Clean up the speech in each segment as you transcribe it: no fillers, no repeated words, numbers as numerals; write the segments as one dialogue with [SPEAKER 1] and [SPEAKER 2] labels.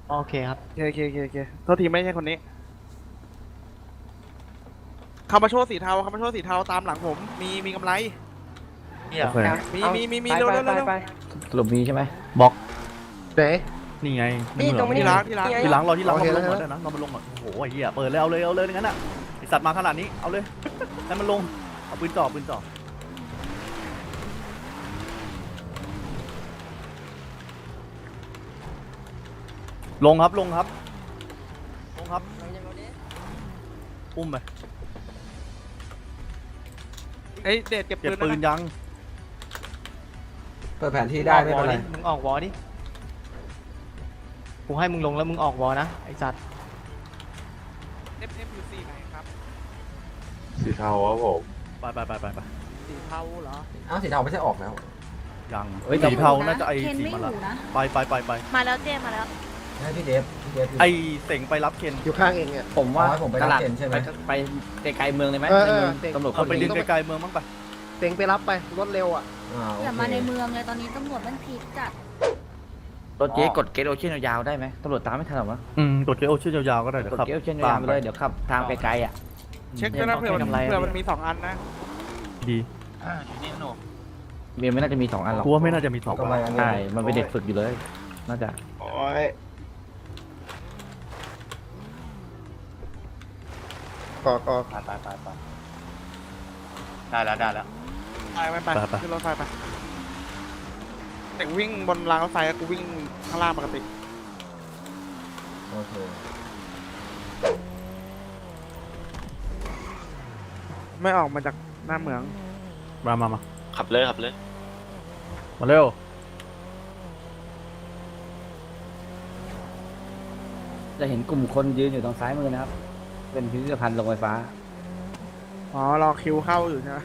[SPEAKER 1] โอเคครับ
[SPEAKER 2] โอเคโทษทีไม่ใช่คนนี้คามาโชว์สีเทาคามาโชว์สีเทาตามหลังผมมีกำไร
[SPEAKER 1] เนี่ย
[SPEAKER 3] โอเค
[SPEAKER 2] มีเร็ว
[SPEAKER 3] สรุปมีใช่ไหม
[SPEAKER 1] บล็อก
[SPEAKER 4] ไหน
[SPEAKER 1] นี่ไง
[SPEAKER 4] นี่ตรงนี้
[SPEAKER 2] ที่รักที่รัก
[SPEAKER 1] ที่หลังรอที่หลัง
[SPEAKER 4] โอ
[SPEAKER 1] เรา
[SPEAKER 4] เค
[SPEAKER 1] มาลง
[SPEAKER 4] แล้ว
[SPEAKER 1] ก่อนได้นะเรามาลงก่อนโอ้โหไอ้เหี้ยเปิดเลยเอาเลยงั้นอ่ะไอสัตว์มาขนาดนี้เอาเลยให้มันลงเอาปืนจ่อลงครับอุ้มไป
[SPEAKER 2] เอ้ยเดชเก็บ
[SPEAKER 1] เก็บ
[SPEAKER 2] ปื
[SPEAKER 1] ปื
[SPEAKER 2] น
[SPEAKER 1] น
[SPEAKER 2] นะ
[SPEAKER 1] ยัง
[SPEAKER 4] เปิดแผนที่ได้ไม่เป็นไร
[SPEAKER 1] มึงออกวอดิกูให้มึงลงแล้วมึงออกวอนะไอสัตว์
[SPEAKER 2] FM อยู่สีไหนครับ
[SPEAKER 5] สีเทาครับผม
[SPEAKER 1] ไป
[SPEAKER 2] สีเทาเหรอ
[SPEAKER 4] อ้าวสีเทาไม่ใช่ออกแล้ว
[SPEAKER 1] ยัง
[SPEAKER 3] เฮ้ย
[SPEAKER 1] สีเทาน่าจะไอ
[SPEAKER 6] เคน
[SPEAKER 1] สี
[SPEAKER 6] ไม่
[SPEAKER 1] มา
[SPEAKER 6] อ
[SPEAKER 1] ละ
[SPEAKER 6] ยู่นะ
[SPEAKER 1] ไป
[SPEAKER 6] มาแล้วเจมาแล้ว
[SPEAKER 4] ให้พี่เดฟ
[SPEAKER 1] ไอเต่งไปรับเคน
[SPEAKER 4] อยู่ข้างเองเนี่ย
[SPEAKER 3] ผมว่า
[SPEAKER 4] อ๋อให้ผมไป
[SPEAKER 3] ตลาด
[SPEAKER 4] รับเต็นท์ใช่ไหม
[SPEAKER 3] ไปไกลๆเมืองเลยไหม
[SPEAKER 4] เออ
[SPEAKER 3] ในเมือง
[SPEAKER 4] เต็นท์
[SPEAKER 3] ตำรวจ
[SPEAKER 1] เอาไป
[SPEAKER 3] คน
[SPEAKER 1] ดึ
[SPEAKER 3] นี้
[SPEAKER 1] งไกลๆเมืองบ้างไป
[SPEAKER 4] เต็งไปรับไปรถเร็วอ่ะ
[SPEAKER 6] อย่ามาในเมืองเลยตอนนี้ตำรวจมันพีคจัด
[SPEAKER 3] รถเจ๊กดเกตโอเชียนยาวๆได้ไหมตำรวจตามไม่ทันหรอวะ
[SPEAKER 1] กดเกลชื่อยาวๆก็ได้เดี๋ยว
[SPEAKER 3] กด
[SPEAKER 1] ครับ
[SPEAKER 3] เกตโอเชียนยาวๆไปเลยเดี๋ยวขับทางไกลๆอ่ะ
[SPEAKER 2] เช็คด้วยนะเผื่อมันมี2 อันนะ
[SPEAKER 1] ดี
[SPEAKER 3] เมียไม่น่าจะมี2 อันหรอก
[SPEAKER 1] กูว่าไม่น่าจะมีสอง
[SPEAKER 4] กำไรอันนี้
[SPEAKER 3] ใช่มันเป็นเด็กฝึกอยู่เลย น่าจะ
[SPEAKER 5] โอ้ย
[SPEAKER 4] กอ
[SPEAKER 1] ไปได้แล้ว
[SPEAKER 2] ไปขึ้นรถไฟไปแต่วิ่งบนรางรถไฟกูวิ่งข้างล่างปกติ
[SPEAKER 4] โอเค
[SPEAKER 2] ไม่ออกมาจากหน้าเหมือง
[SPEAKER 1] มา
[SPEAKER 5] ขับเลย
[SPEAKER 1] มาเร็ว
[SPEAKER 3] จะเห็นกลุ่มคนยืนอยู่ตรงซ้ายมือนะครับ เป็นพิพิธภัณฑ์โรงไฟฟ้า
[SPEAKER 2] อ๋อรอคิวเข้าอยู่ใช่ไหม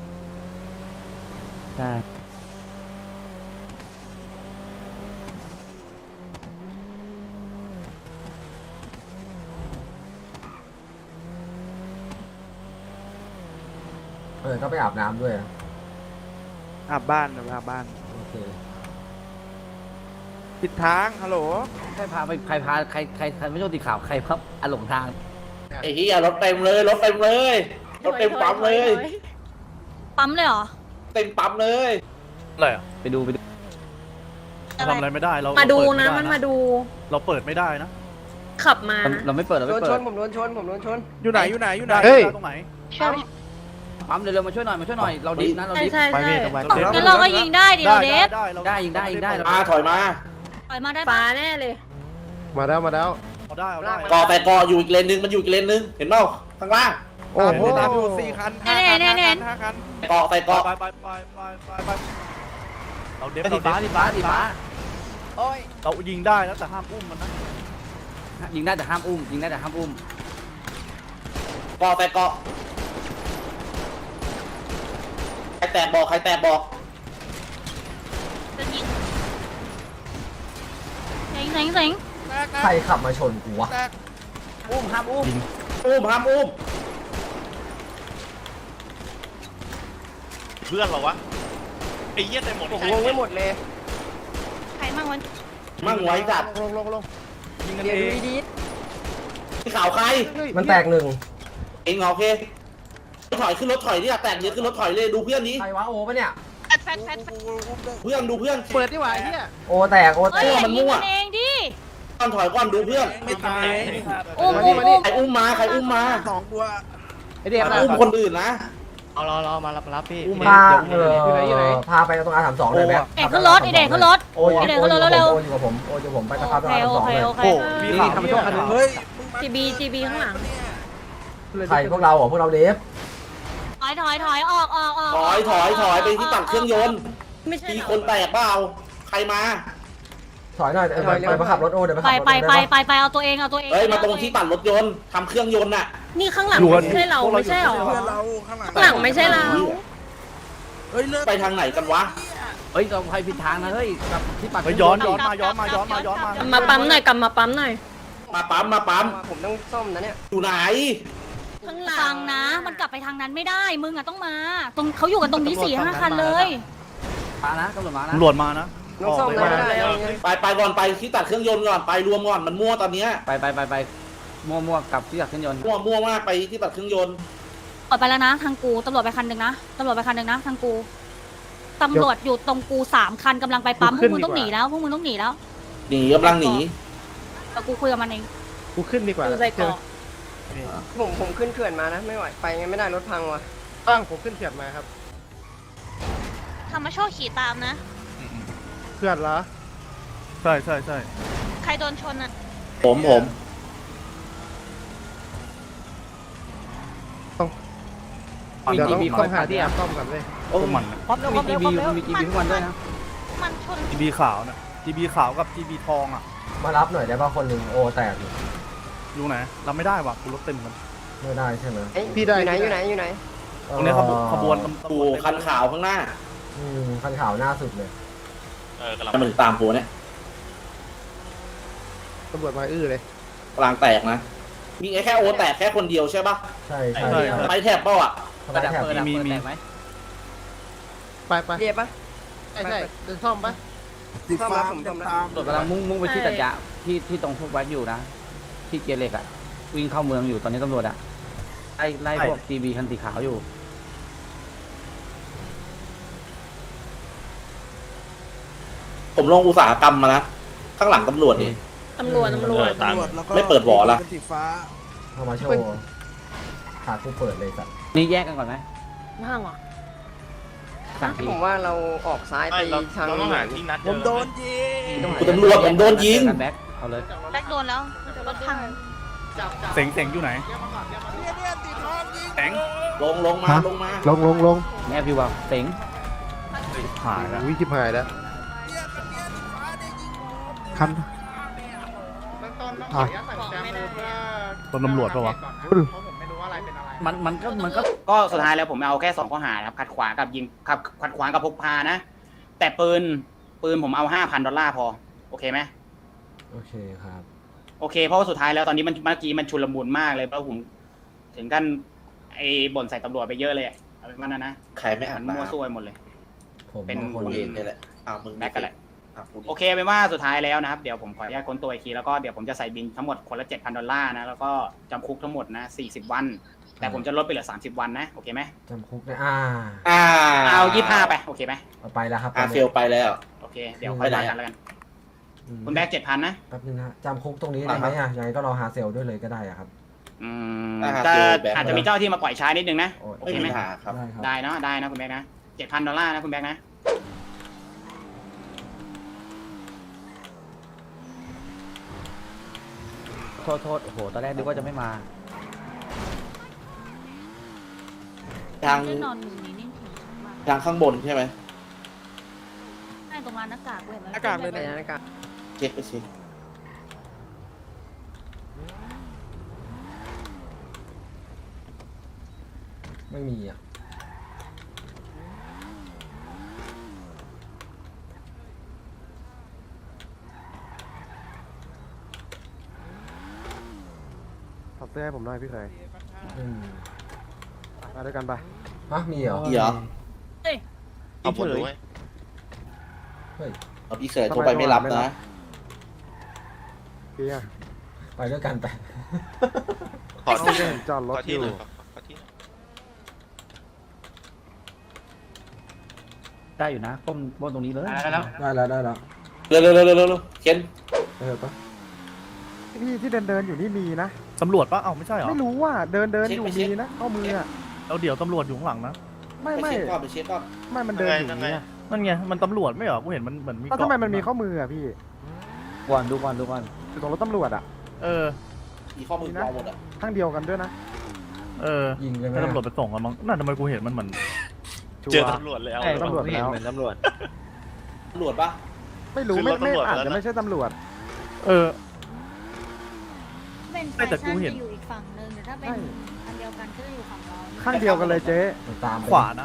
[SPEAKER 3] ใช่
[SPEAKER 4] ต้องไปอาบน้ำด้วยนะ
[SPEAKER 2] อาบบ้านเดี๋ยวไปอาบบ้าน
[SPEAKER 4] โอเค
[SPEAKER 2] ผิดทางฮัลโหล
[SPEAKER 3] ใครพาใครไม่โชคตีข่าวใครพับอหลงทาง
[SPEAKER 7] ไอ้เหี้ยรถเต็มเลยรถเต็มปั๊มเลย
[SPEAKER 6] ปั๊มเลยเหรอ
[SPEAKER 7] เต็มปั๊มเลย
[SPEAKER 1] อะไรอ่ะ
[SPEAKER 3] ไปดู
[SPEAKER 1] ทำอะไรไม่ได้เรา
[SPEAKER 8] มาดู
[SPEAKER 1] เปิ
[SPEAKER 8] นะ
[SPEAKER 1] ไได้
[SPEAKER 8] มันมาดู
[SPEAKER 1] เราเปิดไม่ได้นะ
[SPEAKER 8] ขับมา
[SPEAKER 3] เราไม่เปิด
[SPEAKER 4] ผมโดนชน
[SPEAKER 2] อยู่ไหน
[SPEAKER 1] ได้ได้ตรงไหน
[SPEAKER 3] ปั๊มเร็วๆมาช่วยหน่อยเราดิฟนะเราดิฟ
[SPEAKER 8] ใช่
[SPEAKER 1] ไปเมฆตรงไป
[SPEAKER 6] งั้นเราก็ยิงได้ดิเราเดฟ
[SPEAKER 3] ได้ยิงได้
[SPEAKER 7] มาถอยมา
[SPEAKER 6] ปล่อยมาได้
[SPEAKER 8] ฟ้า
[SPEAKER 6] ปะ
[SPEAKER 8] แน่เลย
[SPEAKER 4] มาแล้ว
[SPEAKER 1] เอาได้
[SPEAKER 7] กอแต่กออยู่อีกเลนนึงมันอยู่อีกเลนนึงเห็นเปล่าข้างล่าง
[SPEAKER 4] โอ้โห
[SPEAKER 2] ตามอยู่4 คัน5 คัน
[SPEAKER 7] กอแต่กอ
[SPEAKER 1] ไปเราเดฟ
[SPEAKER 3] สีฟ้า
[SPEAKER 1] เรายิงได้แล้วแต่ห้ามอุ้มมันนะ
[SPEAKER 3] ยิงได้แต่ห้ามอุ้ม
[SPEAKER 7] กอแต่กอใครแตกบอก
[SPEAKER 6] จะยิงเซ็ง
[SPEAKER 4] ใครขับมาชนกูวะ
[SPEAKER 3] อุ้มห้ามอุ้ม
[SPEAKER 7] ห้ามอุ้ม
[SPEAKER 5] เพื่อนเหรอวะไอ้เหี้ยเต็มหมด
[SPEAKER 4] ลงไม่หมดเลย
[SPEAKER 6] ใครมั่งวัน
[SPEAKER 7] มั่งไว้จัด
[SPEAKER 4] ลง
[SPEAKER 1] ยิงกันเอง
[SPEAKER 7] ที่ข่าวใคร
[SPEAKER 4] มันแตกหนึ่ง
[SPEAKER 7] เองเหรอโอเคถอยขึ้นรถถอยนี่แตกเยอะขึ้นรถถอยเลยดูเพื่อนนี้
[SPEAKER 4] ใครวะโอปะเนี่ย
[SPEAKER 6] แฟด
[SPEAKER 7] เพื่อนดูเพื่อน
[SPEAKER 2] เปิดดีกว่าไอ้เหี้ย
[SPEAKER 4] โอแตก
[SPEAKER 6] เฮ้ยอย่ายิงกันเองดิ
[SPEAKER 7] ก่อนถอยก่อนดูเพื่อน
[SPEAKER 2] ไม่ตาย
[SPEAKER 6] อุ้ม
[SPEAKER 7] ใครอุ้มมา
[SPEAKER 2] 2 ตัว
[SPEAKER 4] ไอเดฟ
[SPEAKER 7] ใครอุ้มคนอื่นนะ
[SPEAKER 1] รอมารับพี่
[SPEAKER 4] พาพาไปตรงR32เลยไหม
[SPEAKER 6] เด็กขึ้นรถไอเด็กขึ้นรถ
[SPEAKER 4] โอ้ยอยู่กับผมไปตะครับตรง
[SPEAKER 6] โอ
[SPEAKER 4] R32
[SPEAKER 6] เค
[SPEAKER 4] เลย
[SPEAKER 6] โอเค
[SPEAKER 1] โอ้มีข่าวทำโชคกันเฮ้ย
[SPEAKER 8] จีบีข้างหลัง
[SPEAKER 4] ใครพวกเราเหรอพวกเราเดฟ
[SPEAKER 6] ถอยออก
[SPEAKER 7] ถอยไปที่ตัดเครื่องยนต์
[SPEAKER 8] ไม่ใช่
[SPEAKER 7] มี
[SPEAKER 8] เหรอ
[SPEAKER 7] คนแตกเปล่าใครมา
[SPEAKER 4] ถอยหน่อยไปขับรถโอเดี๋ยวไป
[SPEAKER 6] ไป
[SPEAKER 4] ขับรถ
[SPEAKER 6] ไปเอาตัวเอง
[SPEAKER 7] เฮ้ยมาตรงที่ตัดรถยนต์ทำเครื่องยนต์น่ะ
[SPEAKER 8] นี่ข้างหลังไม่ใช่เราไม่ใช่เหรอ
[SPEAKER 2] เพื่อนเราข้างหลัง
[SPEAKER 8] ข้างหลังไม่ใช่เรา
[SPEAKER 2] เฮ้ยเลิก
[SPEAKER 7] ไปทางไหนกันวะ
[SPEAKER 3] เฮ้ยเราใครผิดทางนะเฮ้ยกับที่ปัด
[SPEAKER 1] ย้อนมา
[SPEAKER 8] มาปั๊มหน่อยกลับมาปั๊มหน่อย
[SPEAKER 7] มาปั๊ม
[SPEAKER 4] ผมต้องซ่อมนะเนี่ย
[SPEAKER 7] อยู่ไหน
[SPEAKER 8] ข้างหลั
[SPEAKER 6] ฟั
[SPEAKER 8] ง
[SPEAKER 6] งนะ มันกลับไปทางนั้นไม่ได้ มึงอะต้องมา ตรงเขาอยู่กันตรงนี้4-5 คันเลย
[SPEAKER 3] มานะตำรวจมานะ
[SPEAKER 1] ตำรวจมานะ
[SPEAKER 4] น้องส้ม
[SPEAKER 1] ออกเลย
[SPEAKER 4] ได้
[SPEAKER 7] ไปก่อนไปที่ตัดเครื่องยนต์ก่อนไปรวมก่อนมันมั่วตอนเนี้ย
[SPEAKER 3] ไปมั่วๆกับที่อยากขึ้นยนต์
[SPEAKER 7] มั่วมากไปที่ตัดเครื่องยนต์
[SPEAKER 6] ออกไปแล้วนะทางกูตำรวจไปคันหนึ่งนะตำรวจไปคันหนึ่งนะทางกูตำรวจอยู่ตรงกู3 คันกำลังไปปั๊มพวกมึงต้องหนีแล้วพวกมึงต้องหนีแล้ว
[SPEAKER 7] หนีกำลังหนี
[SPEAKER 6] แต่กูคุยกับมันเอง
[SPEAKER 2] กูขึ้นดีกว่า
[SPEAKER 8] ดูใส่เกาะ
[SPEAKER 4] ผมขึ้นเขื่อนมานะไม่ไหวไปไงไม่ได้รถพังว่ะ
[SPEAKER 2] ตั้งผมขึ้นเขื่อนมาครับ
[SPEAKER 8] ธรรมโชคขี่ตามนะ
[SPEAKER 2] เขื่อนเหรอ
[SPEAKER 1] ใช่ใช่ใช่
[SPEAKER 8] ใครโดนชนอ่ะ
[SPEAKER 7] ผม
[SPEAKER 3] มีทีบีต้องหาที่แอบ
[SPEAKER 2] ซ่อมกันเลย
[SPEAKER 7] โอ้
[SPEAKER 1] พวกมัน
[SPEAKER 3] มีทีบีมีทีบีทุกวันด้วยนะ
[SPEAKER 8] มันชน
[SPEAKER 1] ทีบีขาวนะทีบีขาวกับทีบีทองอ่ะ
[SPEAKER 4] มารับหน่อยได้ป่ะคนหนึ่งโอแตกอยู่
[SPEAKER 1] อยู่ไหนรับไม่ได้ว่ะกูรถเต็มกัน
[SPEAKER 4] ไม่ได้ใช่ไหม
[SPEAKER 2] พี่ได้
[SPEAKER 4] อยู่ไหน
[SPEAKER 1] ตรงนี้ขบวนตำร
[SPEAKER 7] ปู
[SPEAKER 1] วจ
[SPEAKER 7] คันขาวข้างหน้า
[SPEAKER 4] คันขาวหน้าสุดเลย
[SPEAKER 5] กำลัง
[SPEAKER 7] ถ้ามันตามปูเนี่ย
[SPEAKER 2] ตำรวจมาอื้อเลย
[SPEAKER 7] กลางแตกนะมีแค่โอแตกแค่คนเดียวใช่ปะ
[SPEAKER 4] ใช่ใช่
[SPEAKER 7] ไปแถบเป้าอ่ะ
[SPEAKER 4] ไปแถบ
[SPEAKER 1] มี
[SPEAKER 2] ไป
[SPEAKER 4] เรียบปะ
[SPEAKER 2] ใช่เดินซ่อมปะ
[SPEAKER 4] ซ่อมแล้วผมซ่อมแล้ว
[SPEAKER 3] ตำรวจกำลังมุ่งไปที่ตัดยะที่ตรงพวกวัดอยู่นะที่เกียร์เหล็กอ่ะวิ่งเข้าเมืองอยู่ตอนนี้ตำรวจอ่ะไล่พวกทีบีคันสีขาวอยู่
[SPEAKER 7] ผมลงอุตสาหกรรมมานะข้างหลังตำรวจนี่
[SPEAKER 8] ตำรวจ
[SPEAKER 5] ตาม
[SPEAKER 7] ไม่เปิดหวอละ
[SPEAKER 4] เข้ามาโชว์ขากูเปิดเลยสัตว์
[SPEAKER 3] นี่แยกกันก่อนไหม
[SPEAKER 8] ห้างเหรอ
[SPEAKER 3] สั่งที
[SPEAKER 4] ผมว่าเราออกซ้ายไป
[SPEAKER 5] เรา
[SPEAKER 4] ทาง
[SPEAKER 5] ต้องหาที่นัด
[SPEAKER 2] ผมโดนยิ
[SPEAKER 7] คุณตำรวจผมโดนยิง
[SPEAKER 3] แบ็คเอาเลย
[SPEAKER 8] แบ็คโดนแล้วรถพัง
[SPEAKER 1] เสงอยู่ไหนแสง
[SPEAKER 7] ลงมา
[SPEAKER 2] ลง
[SPEAKER 3] แม่พี่ว่าเต็ง
[SPEAKER 1] หายแล้ว
[SPEAKER 2] วิจิบหายแล้วคัน
[SPEAKER 1] ตำรวจปะวะ
[SPEAKER 3] มันก็
[SPEAKER 9] ก็สุดท้ายแล้วผมเอาแค่2 ข้อหาครับขัดขวางกับยิงขัดขวางกับพกพานะ แต่ปืนผมเอา$5,000พอโอเคไหม
[SPEAKER 4] โอเคครับ
[SPEAKER 9] โอเคเพราะว่าสุดท้ายแล้วตอนนี้เมื่อกี้มันชุลมุนมากเลยเพราะผมถึงกันไอ้บ่นใส่ตำรวจไปเยอะเลยเอาเป็นว่านะ
[SPEAKER 7] ใครไม่อ่าน
[SPEAKER 9] มั่วซั่วไปหมดเลย
[SPEAKER 4] ผม
[SPEAKER 9] เป็น
[SPEAKER 4] คน
[SPEAKER 7] กู
[SPEAKER 4] เอ
[SPEAKER 7] เอง งนี่แหละมึง
[SPEAKER 9] แบ็คกันแหละ
[SPEAKER 7] กู
[SPEAKER 9] โอเคเป็นว่าสุดท้ายแล้วนะครับเดี๋ยวผมขออนุญาตค้นตัวอีกทีแล้วก็เดี๋ยวผมจะใส่บินทั้งหมดคนละ$7,000นะแล้วก็จำคุกทั้งหมดนะ40 วัน แต่ผมจะลดไปเหลือ30 วันนะโอเคไหม
[SPEAKER 4] จำคุกได้
[SPEAKER 9] เอา25ไปโอเคไหม
[SPEAKER 4] เอาไปแล้วครับ
[SPEAKER 7] เฟลไปแล้ว
[SPEAKER 9] โอเคเดี๋ยวค่อยว่ากันแล้วกันคุณแบ็ค7,000นะ
[SPEAKER 4] แป๊บนึงนะจำคุกตรงนี้ได้ไหมอ่ะยังไงก็รอหาเซลด้วยเลยก็ได้อะครับ
[SPEAKER 9] แต่อาจจะมีเจ้าที่มาปล่อยช้านิดนึงนะโอ
[SPEAKER 7] ไม่
[SPEAKER 9] เค
[SPEAKER 7] มี
[SPEAKER 9] ไหม
[SPEAKER 7] ปัญหาครับ
[SPEAKER 4] ได้ครับ
[SPEAKER 9] ได้เนาะได้นะคุณแบ็คนะ$7,000นะคุณแบ็คนะ
[SPEAKER 3] โทษโอ้โหตอนแรกนึกว่าจะไม่มา
[SPEAKER 7] ทาง
[SPEAKER 6] ได้นอนอยู่นี่นิ่งๆมาก
[SPEAKER 7] ทางข้างบนใช่ไหม
[SPEAKER 6] ใช่ตรงร้านหน้ากากเว้ย
[SPEAKER 2] หน้ากากเลยนะ
[SPEAKER 7] เช็คไปเช็ค
[SPEAKER 4] ไม่มีอ่ะ
[SPEAKER 2] ถอดเสื้อให้ผมหน่อยพี่เคย
[SPEAKER 4] ไม่มี
[SPEAKER 2] มาด้วยกันไป
[SPEAKER 4] ฮะมีเหรอ
[SPEAKER 7] พี่เหรอ
[SPEAKER 5] เอาผลด้วย
[SPEAKER 4] เฮ้ย
[SPEAKER 7] เอาพี่เคยโทรไปไม่รับนะ
[SPEAKER 2] พี่อะ
[SPEAKER 4] ไปด้วยกันไป
[SPEAKER 5] ขอที่
[SPEAKER 2] จอดรถ
[SPEAKER 5] ขอ
[SPEAKER 2] อ
[SPEAKER 5] ที่
[SPEAKER 2] ยู่
[SPEAKER 5] หน่อยขอที่
[SPEAKER 3] ได้อยู่นะป้มตรงนี้เลย
[SPEAKER 4] ได้แล้วได้แล้ว
[SPEAKER 7] เร็วเคน
[SPEAKER 4] เออปะ
[SPEAKER 2] พี่ที่เดินอยู่นี่มีนะ
[SPEAKER 1] ตำรวจปะเอ้าไม่ใช่เหรอ
[SPEAKER 2] ไม่รู้ว่าเดินอยู่มีนะข้อมืออะ
[SPEAKER 1] เราเดี๋ยวตำรวจอยู่ข้างหลังนะ
[SPEAKER 2] ไม่
[SPEAKER 7] ไปเช็คก่อนไปเช็คก่อน
[SPEAKER 2] ไม่มันเดินอยู่เนี่ย
[SPEAKER 1] นั่นไงมันตำรวจไม่เหรอกูเห็นมันเหมือนมี
[SPEAKER 2] แล้วทำไมมันมีข้อมืออะพี่
[SPEAKER 3] ดูก่อน
[SPEAKER 2] อยู่ตรงรถตำรวจอะ
[SPEAKER 1] เออ
[SPEAKER 7] มีข้อมือปลอมหมดอ่ะ
[SPEAKER 2] ข้างเดียวกันด้วยนะ
[SPEAKER 1] เออ
[SPEAKER 4] ยิงเลยไหม
[SPEAKER 1] ให้ตำรวจไปส่งกันมั้งนั่นทำไมกูเห็นมันเหมือน
[SPEAKER 2] ชัว
[SPEAKER 5] เจอ
[SPEAKER 2] ร์
[SPEAKER 5] ตำรวจแล้ว
[SPEAKER 2] ตำรวจแล้ว
[SPEAKER 5] ตำรวจ
[SPEAKER 7] ตำรวจปะ
[SPEAKER 2] ไม่รู้
[SPEAKER 5] ขึ้น
[SPEAKER 2] ไม่
[SPEAKER 5] รถตำรวจ
[SPEAKER 2] อาจ
[SPEAKER 5] แล้ว
[SPEAKER 2] จะ
[SPEAKER 5] นะ
[SPEAKER 2] ไม่ใช่ตำรวจ
[SPEAKER 1] เออ
[SPEAKER 6] เป็นแฟ
[SPEAKER 1] แต่กู
[SPEAKER 6] ชั่น
[SPEAKER 1] เห็น
[SPEAKER 6] จะอยู่อีกฝั่งหนึ่งแต่ถ้าเป็นอันเดียวกันก็จะอยู่ฝั่งเรา
[SPEAKER 2] ข้างเดียวกันเลยเจ๊
[SPEAKER 4] ตาม
[SPEAKER 1] ขวานะ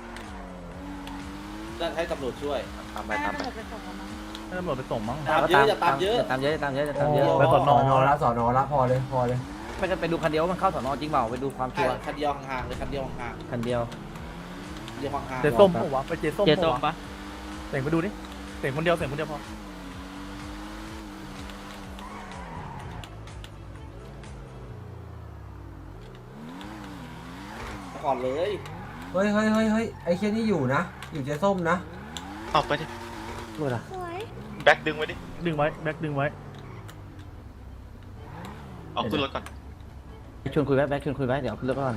[SPEAKER 7] จะให้ตำรวจช่วย
[SPEAKER 5] ตามไป
[SPEAKER 6] ได้
[SPEAKER 5] ตามไป
[SPEAKER 6] ตำรวจไปส่งเรามั้ง
[SPEAKER 1] ให้ตำรวจไปส่งมั้ง
[SPEAKER 7] ตามเยอะอย่าตามเยอะ
[SPEAKER 3] ตามเยอะ
[SPEAKER 1] ไปสอนอ
[SPEAKER 4] ละสอนอละพอเลย
[SPEAKER 3] ไปดูคันเดียวมันเข้าสอนอจริงเปล่าไปดูความชัวร์
[SPEAKER 7] คันเดียวห่างๆเลยคันเดียวห่าง
[SPEAKER 3] คันเดียว
[SPEAKER 7] ๆเดียวห่างๆ
[SPEAKER 1] เจส้มปะวะไปเจส้มปะวะแต่งไปดูดิเสียงคนเดียวพอ
[SPEAKER 7] ก่อนเลย
[SPEAKER 4] เฮ้ยไอ้เคียนี่อยู่นะ อยู่เจ๊ส้มนะ
[SPEAKER 5] เอาไปดิ
[SPEAKER 3] พูดอะ
[SPEAKER 8] สวย
[SPEAKER 5] แบ็คดึงไว้ดิ
[SPEAKER 1] ดึงไว้แบ็คดึงไว้
[SPEAKER 5] เอาขึ้นรถก่อน
[SPEAKER 3] ชวนคุยไว้แบ็คชวนคุยไว้เดี๋ยวขึ้นรถก่อน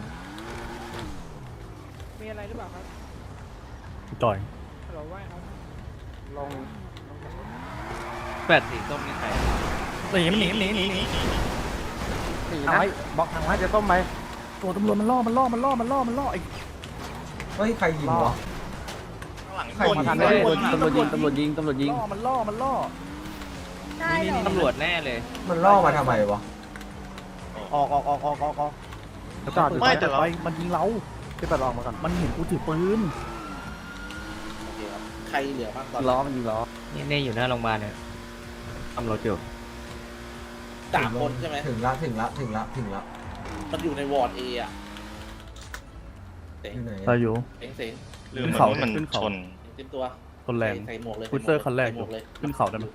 [SPEAKER 2] มีอะไรหรือเปล่าครับ
[SPEAKER 1] ต่อย
[SPEAKER 2] ฮัลโหลว่าครับลง
[SPEAKER 3] แปดสีส้มนี่ใคร
[SPEAKER 1] หนีมันหนี
[SPEAKER 2] หนี
[SPEAKER 3] ทาง
[SPEAKER 2] นะ
[SPEAKER 3] ไว้บอกทางไว้จะต้มไหม
[SPEAKER 1] ตัวตำรวจมันล่อไอ้
[SPEAKER 4] เฮ้ยใครยิงวะ
[SPEAKER 5] ข้างหลัง
[SPEAKER 4] ใคร
[SPEAKER 5] คน
[SPEAKER 4] มาทำ
[SPEAKER 3] ตำรวจยิง
[SPEAKER 1] มันล่อ
[SPEAKER 8] ได้เหรอ
[SPEAKER 3] ตำรวจแน่เลย
[SPEAKER 4] มันล่อมาทำไมวะ
[SPEAKER 1] ออก
[SPEAKER 2] จอดอยู่
[SPEAKER 5] ไม่แต่เรา
[SPEAKER 1] ไปมันยิงเรา
[SPEAKER 2] ที่ตัดออกมาก่อน
[SPEAKER 1] มันเห็นกูถือปืน
[SPEAKER 7] โอเคครับใครเหลือบ้างตอน
[SPEAKER 3] ล้อมันยิงล้อ
[SPEAKER 10] นี่อยู่หน้าโรงพยาบาลเนี่ยทำรถอยู่
[SPEAKER 7] 3 คนใช่ไหม
[SPEAKER 4] ถึงละ
[SPEAKER 7] มันอยู่ในวอร์ดเอะเสียง
[SPEAKER 4] อยู่ไหน
[SPEAKER 1] เราอยู่
[SPEAKER 7] เสียง
[SPEAKER 5] ลืมเหมือนว่ามันชน
[SPEAKER 7] เต็มตัว
[SPEAKER 1] คนแรง
[SPEAKER 7] ใส่หมวกเลย
[SPEAKER 1] พุตเตอร์คันแรก
[SPEAKER 7] ใส่หมวกเลย
[SPEAKER 1] ขึ้นเขาได้ไหม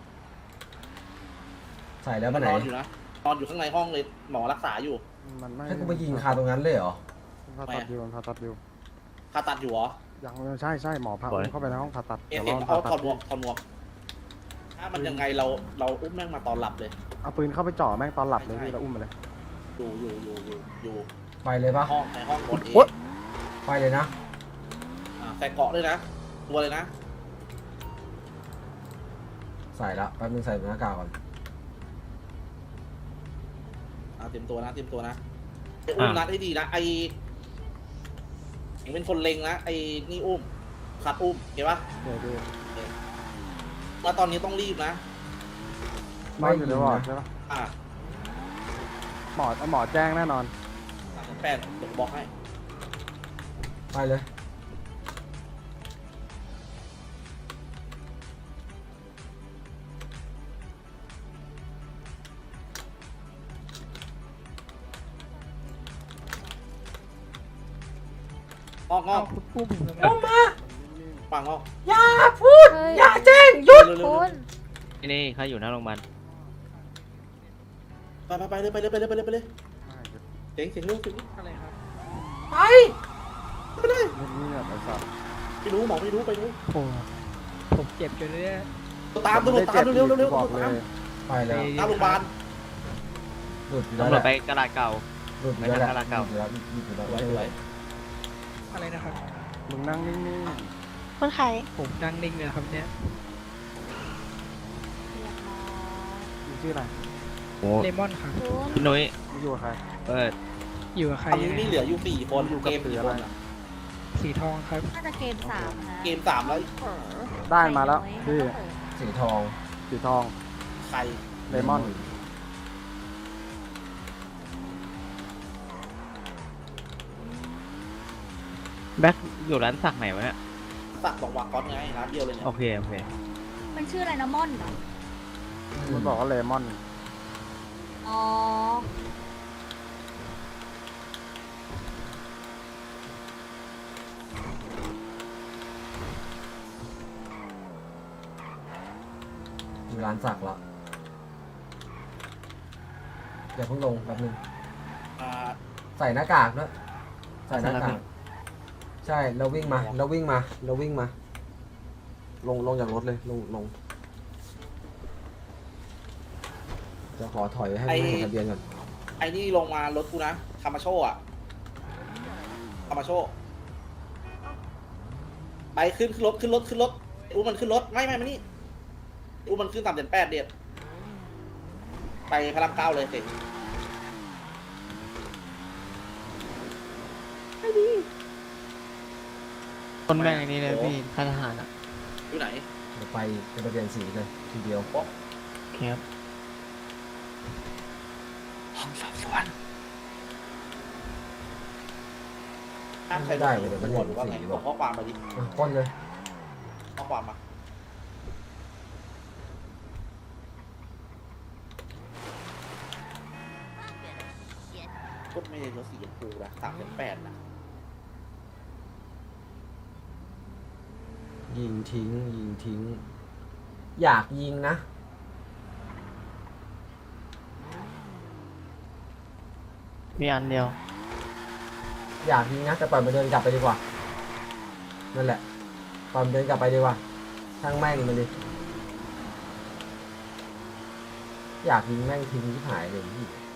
[SPEAKER 4] ใส่แล้วไปไหน
[SPEAKER 7] นอนอยู่นะนอนอยู่ข้างในห้องเลยหมอรักษาอยู่
[SPEAKER 2] มันไม่
[SPEAKER 4] ให้กูไปยิงคาตรงนั้นเลยเหรอ
[SPEAKER 2] ผ่าตัดอยู่ผ่าตัดอยู่
[SPEAKER 7] ผ่าตัดอยู่เหรอ
[SPEAKER 2] ยังใช่หมอพาอุ้มเข้าไปในห้องผ่าตัด
[SPEAKER 7] เอ็
[SPEAKER 2] เดี๋ยว
[SPEAKER 7] เอ็
[SPEAKER 2] รอ
[SPEAKER 7] เอา
[SPEAKER 2] ผ่า
[SPEAKER 7] ถ
[SPEAKER 2] ตั
[SPEAKER 7] อ
[SPEAKER 2] ด
[SPEAKER 7] ดหมวกถ้ามันยังไงเราอุ้มแม่งมาตอนหลับเลย
[SPEAKER 2] เอาปืนเข้าไปจ่อแม่งตอนหลับเลยพี่แล้วอุ้มมาเลย
[SPEAKER 7] อยู่
[SPEAKER 4] ไปเลยปะ
[SPEAKER 7] ในห้องวอร์ดเอ
[SPEAKER 4] ไปเลยนะ
[SPEAKER 7] ใส่เกาะด้วยนะ ตัวเลยนะ
[SPEAKER 4] ใส่ละแป๊บนึงใส่หน้ากากก่อน
[SPEAKER 7] เตรียมตัวนะไอ้อุ้มนัดให้ดีนะไอ้เป็นคนเล็งนะไอ้นี่อุ้มขัดอุ้มเห็นปะ
[SPEAKER 2] เดี๋ยวดู
[SPEAKER 7] แล้วตอนนี้ต้องรีบนะ
[SPEAKER 2] นอนอยู่ในวอร์ดใช่ปะ
[SPEAKER 7] อ่ะ
[SPEAKER 2] หมอแจ้งแน่นอน
[SPEAKER 7] 38เดี๋ยวบอกให้
[SPEAKER 4] ไปเลย
[SPEAKER 7] งอก
[SPEAKER 8] เอามา
[SPEAKER 7] ปังงอก
[SPEAKER 8] อย่าพูด อย่าแจ้งหยุดคุณ
[SPEAKER 10] นี่เขาอยู่หน้าโรงพยาบาล
[SPEAKER 7] ไปเลยเสียงเร็ว
[SPEAKER 2] อะไรครับ
[SPEAKER 8] ไป
[SPEAKER 7] ไม่ได้
[SPEAKER 2] นี่แบบไอ้สัส
[SPEAKER 7] ไม่รู้หมอไม่รู้ไปรู้
[SPEAKER 2] ผมเจ็บจนเนี่ย
[SPEAKER 7] ตามตำรวจตามเร็ว
[SPEAKER 2] บอกเลย
[SPEAKER 4] ไปแล้ว
[SPEAKER 7] ตามโรงพยาบาล
[SPEAKER 4] หลุดอยู่แล้ว
[SPEAKER 10] ตำร
[SPEAKER 4] แห
[SPEAKER 10] วจ
[SPEAKER 4] ละ
[SPEAKER 10] ไปกระดาษเก่า
[SPEAKER 4] หลุดอยู่แล้วแหละ
[SPEAKER 10] ไปทางตลาดเก่า
[SPEAKER 4] หลุดอยู่แล้ว
[SPEAKER 7] ไว้
[SPEAKER 2] อะไรนะครับมึงนั่งนิ่ง
[SPEAKER 8] คนไข้
[SPEAKER 2] ๆผมนั่งนิ่งเลยครับเนี่ยมึงชื่ออะไร
[SPEAKER 10] โอ้
[SPEAKER 2] เลมอนครับ
[SPEAKER 8] คุณ
[SPEAKER 10] พี่นุ้ย
[SPEAKER 2] มึงอยู่กับใคร
[SPEAKER 10] เปิด
[SPEAKER 2] อยู่กับใคร
[SPEAKER 7] ตอนนี้มีเหลืออยู่4 คนเกม4 คน
[SPEAKER 2] สีทองครับ
[SPEAKER 8] น่าจะเกม3นะ
[SPEAKER 7] เกม3แล้ว
[SPEAKER 2] ได้มาแล้วพี่
[SPEAKER 4] สีทอง
[SPEAKER 2] สีทอง
[SPEAKER 7] ใคร
[SPEAKER 2] เลมอน
[SPEAKER 10] แบ็คอยู่ร้านสักไหนวะเนี่ย
[SPEAKER 7] สักบอกวากอนไงร้านเดียวเลยเนี่ย
[SPEAKER 10] โอเค
[SPEAKER 6] มันชื่ออะไรนะม่อนเหรอ
[SPEAKER 2] มันบอกว่าเลมอน
[SPEAKER 6] อ๋อ
[SPEAKER 4] อยู่ร้านสักละเดี๋ยวเพิ่งลงแป๊บนึง
[SPEAKER 7] อ่า
[SPEAKER 4] ใส่หน้ากากด้วยใส่หน้ากากใช่เราวิ่งมาลงจากรถเลยลงจะขอถอยให้ไม่เห็นทะเบียนก่อน
[SPEAKER 7] ไอ้นี่ลงมารถกูนะคามาโชอ่ะคามาโชไปขึ้นรถอุ้มมันขึ้นรถไม่มานี่อุ้มมันขึ้น3.8เด็ดไปพระราม9เลยสิ
[SPEAKER 10] คนแม่งอันนี้เลยพี่ค่ายทหารอ่ะ
[SPEAKER 7] อยู่ไหน
[SPEAKER 4] เดี๋ยวไปเป็นทะเบียนสีเลยทีเดียว
[SPEAKER 10] ครับ
[SPEAKER 4] ไม่ได้เลยเดี๋ยวมัน
[SPEAKER 7] หม
[SPEAKER 4] เห็
[SPEAKER 7] ด
[SPEAKER 4] น
[SPEAKER 7] ว่าไง
[SPEAKER 4] สี
[SPEAKER 7] ส่
[SPEAKER 4] บ
[SPEAKER 7] ง
[SPEAKER 4] อก
[SPEAKER 7] ข้อความมาดิ
[SPEAKER 4] ป้นเลย
[SPEAKER 7] ข้อความมาก็ไม่ได้รถสีชมพูนะ3.8นะ
[SPEAKER 4] ยิงทิ้งอยากยิงนะ
[SPEAKER 10] มีอันเดียว
[SPEAKER 4] อยากยิงนะแต่ปล่อยมันเดินกลับไปดีกว่านั่นแหละปล่อยมันเดินกลับไปดีกว่าช่างแม่งมันดิอยากยิงแม่งทิ้งที่หายเลยพี่